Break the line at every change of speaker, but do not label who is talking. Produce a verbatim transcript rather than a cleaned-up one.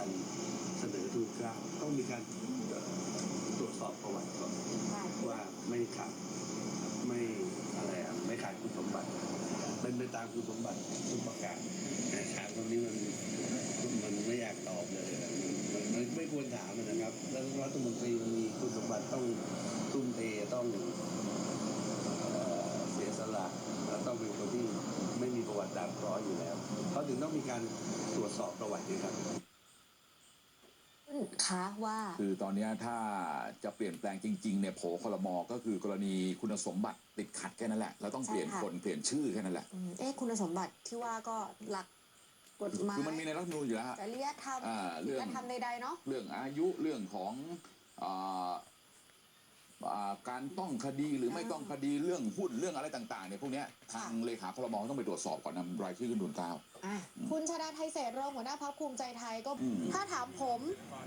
การเสนอทุนเกล้าต้องมีการตรวจสอบประวัติก่อนว่าไม่ขาดไม่อะไรอ่ะไม่ขาดคุณสมบัติเป็นไปตามคุณสมบัติทุกประการแต่ถามตรงนี้มันมันไม่อยากตอบเลยมันมันไม่ควรถามนะครับแล้วรัฐมนตรีมันมีคุณสมบัติต้องทุ่มเทต้องเสียสละและต้องเป็นคนที่ไม่มีประวัติด่างพร้อยอยู่แล้วเขาถึงต้องมีการตรวจสอบประวัติด้วยครับ
คะว่า
คือตอนนี้ถ้าจะเปลี่ยนแปลงจริงๆเนี่ยโผคลมก็คือกรณีคุณสมบัติติดขัดแค่นั้นแหละเราต้องเปลี่ยนคนเปลี่ยนชื่อแค่นั้นแหละ
เอ๊ะคุณสมบัติที่ว่าก็หลักกฎหมาย
คือมันมีในรัฐธรรมนูญอยู่แล้ว
จริยธรรมจริยธรรมใดๆเนาะ
เรื่องอายุเรื่องของการต้องคดีหรือไม่ต้องคดีเรื่องหุ้นเรื่องอะไรต่างๆเนี่ยพวกนี้ทางเลขาคลมต้องไปตรวจสอบก่อนนำรายชื่อขึ้นทุนเกล้า
คุณชาดาไทเศษรองหัวหน้าพรรคภูมิใจไทยก็ถ้าถามผม